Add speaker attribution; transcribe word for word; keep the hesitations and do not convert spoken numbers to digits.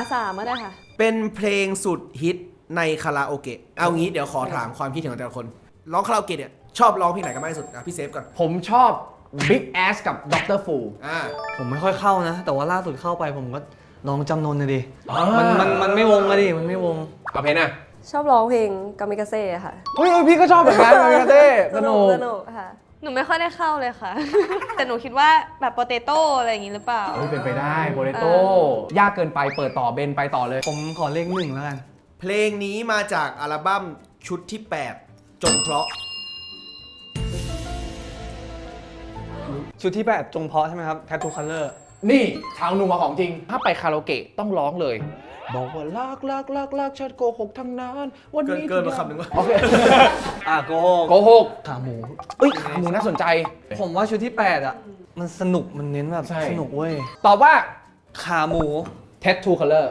Speaker 1: สามก็ได้ค่ะ
Speaker 2: เป็นเพลงสุดฮิตในคาราโอเกะเอางี้เดี๋ยวขอถามความคิดเห็นของแต่ละคนร้องคาราโอเกะเนี่ยชอบร้องเพลงไหนกันมากที่สุดอ่ะพี่เซฟก่อน
Speaker 3: ผมชอบ Big Ass กับ ด็อกเตอร์ Fu
Speaker 2: อ่า
Speaker 4: ผมไม่ค่อยเข้านะ แต่ว่าล่าสุดเข้าไปผมก็ลองจำนนนะดิ
Speaker 3: อ่ามั
Speaker 4: มันมันมันไม่วงอะดิมันไม่วง
Speaker 3: เอาเพลงน่ะ
Speaker 1: ชอบร้องเพลงกามิกาเซ่ค่ะ
Speaker 3: เฮ้ยพี่ก็ชอบเหมือนกันเลยกันเต้สนุก
Speaker 1: สนุกค่ะ
Speaker 5: หนูไม่ค่อยได้เข้าเลยค่ะ แต่หนูคิดว่าแบบโปเตโต้อะไรอย่างงี้หรือเปล่า
Speaker 3: เฮ้ยเป็นไปได้โปเตโต้ยากเกินไปเปิดต่อเบนไปต่อเลย
Speaker 4: ผมขอเลขหนึ่งแล้วกัน
Speaker 2: เพลงนี้มาจากอัลบั้มชุดที่ แปด จงเพราะ
Speaker 4: ชุดที่แปดจงเพาะใช่ไหมครับ Tattoo Color
Speaker 3: นี่ชาวนัวของจริง ถ้าไปคาราโอเกะต้องร้องเลย บอกว่ารักรักรักรักฉันโกหกทั้งนั้นวัน
Speaker 2: เกิน
Speaker 3: นี้
Speaker 2: เกินมาคำหนึ่งวะ
Speaker 3: โอเค
Speaker 4: อ่ะโก
Speaker 3: โกหก
Speaker 4: ขาหมู
Speaker 3: เอ้ยขาหมูน่าสนใจ
Speaker 4: ผมว่าชุดที่แปดอ่ะ มันสนุกมันเน้นแบบ
Speaker 3: ใช่
Speaker 4: สนุกเว้ย
Speaker 3: ตอบว่า
Speaker 4: ขาหมู
Speaker 3: Tattoo Color